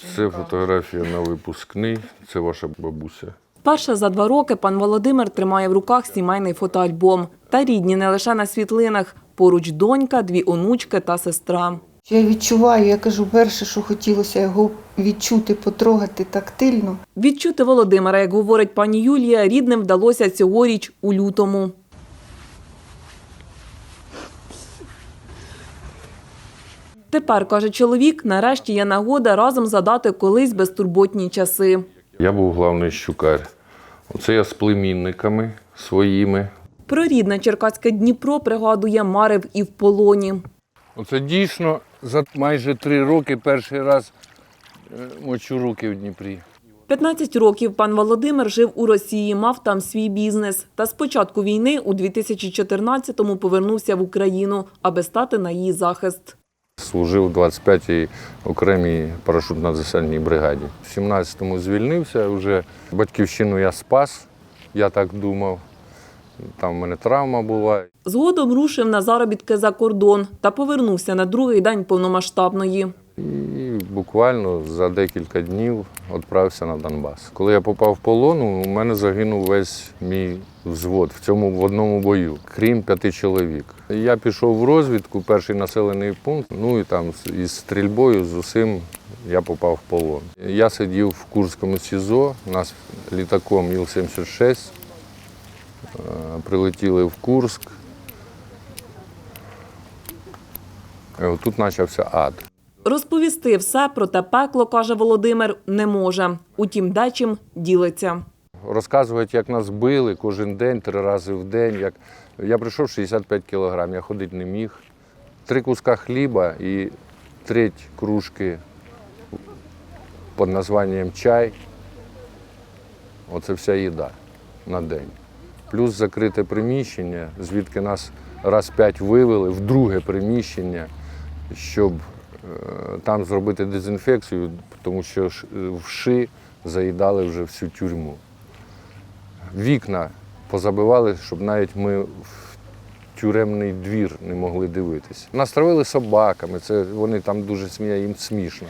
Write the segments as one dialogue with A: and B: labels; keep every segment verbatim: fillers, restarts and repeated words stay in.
A: Це фотографія на випускний, це ваша бабуся.
B: Вперше за два роки пан Володимир тримає в руках сімейний фотоальбом. Та рідні не лише на світлинах. Поруч донька, дві онучки та сестра.
C: Я відчуваю, я кажу, перше, що хотілося його відчути, потрогати тактильно.
B: Відчути Володимира, як говорить пані Юлія, рідним вдалося цьогоріч у лютому. Тепер, каже чоловік, нарешті є нагода разом згадати колись безтурботні часи.
A: Я був головний щукар. Оце я з племінниками своїми.
B: Про рідне черкаське Дніпро, пригадує, марив і в полоні.
A: Оце дійсно за майже три роки перший раз мочу руки в Дніпрі.
B: п'ятнадцять років пан Володимир жив у Росії, мав там свій бізнес. Та з початку війни у дві тисячі чотирнадцятому повернувся в Україну, аби стати на її захист.
A: Служив у двадцять п'ятій окремій парашютно-десантній бригаді. В сімнадцятому звільнився, вже батьківщину я спас, я так думав. Там в мене травма була.
B: Згодом рушив на заробітки за кордон та повернувся на другий день повномасштабної.
A: І буквально за декілька днів відправився на Донбас. Коли я попав в полон, у мене загинув весь мій взвод в цьому в одному бою, крім п'яти чоловік. Я пішов в розвідку, перший населений пункт, ну і там із стрільбою, з усім я попав в полон. Я сидів в Курському СІЗО, нас літаком Іл сімдесят шість, прилетіли в Курськ. І отут почався ад.
B: Розповісти все про те пекло, каже Володимир, не може. Утім, дечим ділиться.
A: Розказують, як нас били кожен день, три рази в день. Як... Я прийшов шістдесят п'ять кілограм, я ходити не міг. Три куска хліба і треть кружки під названням чай. Оце вся їда на день. Плюс закрите приміщення, звідки нас раз п'ять вивели в друге приміщення, щоб там зробити дезінфекцію, тому що вши заїдали вже всю тюрму. Вікна позабивали, щоб навіть ми в тюремний двір не могли дивитися. Нас травили собаками, це вони там дуже сміють, їм смішно.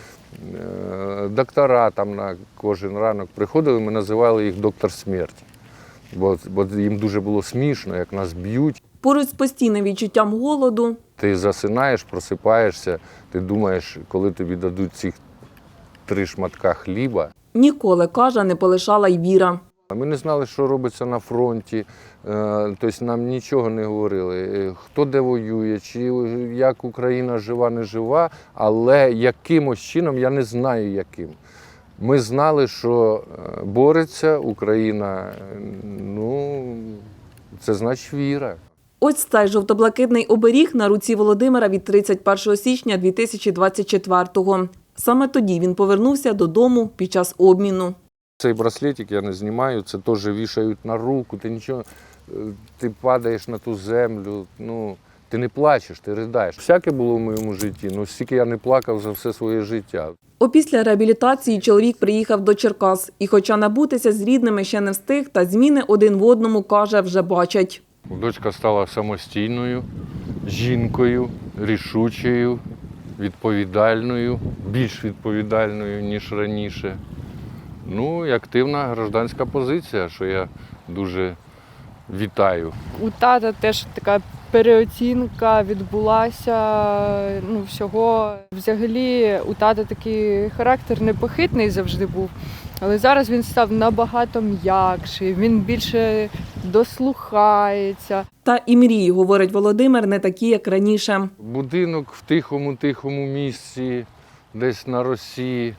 A: Доктора там на кожен ранок приходили, ми називали їх доктор смерті, бо, бо їм дуже було смішно, як нас б'ють.
B: Поруч з постійним відчуттям голоду.
A: Ти засинаєш, просипаєшся, ти думаєш, коли тобі дадуть ці три шматка хліба.
B: Ніколи, каже, не полишала й віра.
A: Ми не знали, що робиться на фронті, тобто нам нічого не говорили, хто де воює, чи як Україна жива, не жива, але якимось чином, я не знаю яким. Ми знали, що бореться Україна, ну, це значить віра.
B: Ось цей жовто-блакитний оберіг на руці Володимира від тридцять першого січня дві тисячі двадцять четвертого. Саме тоді він повернувся додому під час обміну.
A: Цей браслетик я не знімаю, це теж вішають на руку, ти нічого, ти падаєш на ту землю, ну, ти не плачеш, ти ридаєш. Всяке було в моєму житті, ну стільки я не плакав за все своє життя.
B: Опісля реабілітації чоловік приїхав до Черкас. І хоча набутися з рідними ще не встиг, та зміни один в одному, каже, вже бачать.
A: Дочка стала самостійною, жінкою, рішучою, відповідальною, більш відповідальною, ніж раніше. Ну і активна громадянська позиція, що я дуже вітаю.
D: У тата теж така переоцінка відбулася, ну, всього. Взагалі у тата такий характер непохитний завжди був, але зараз він став набагато м'якший, він більше дослухається.
B: Та і мрії, говорить Володимир, не такі, як раніше.
A: Будинок в тихому-тихому місці, десь на Росії,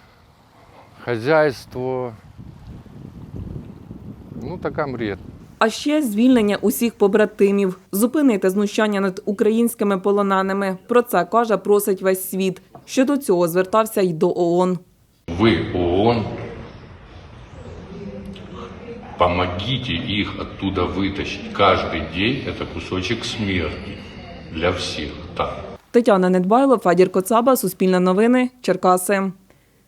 A: хазяйство, ну така мрія.
B: А ще звільнення усіх побратимів, зупинити знущання над українськими полоненими. Про це, каже, просить весь світ. Щодо цього звертався й до ООН.
E: Ви, ООН, помогите их оттуда вытащить. Каждый день это кусочек смерти для всех. Так.
B: Тетяна Недбайло, Федір Коцаба, Суспільне новини, Черкаси.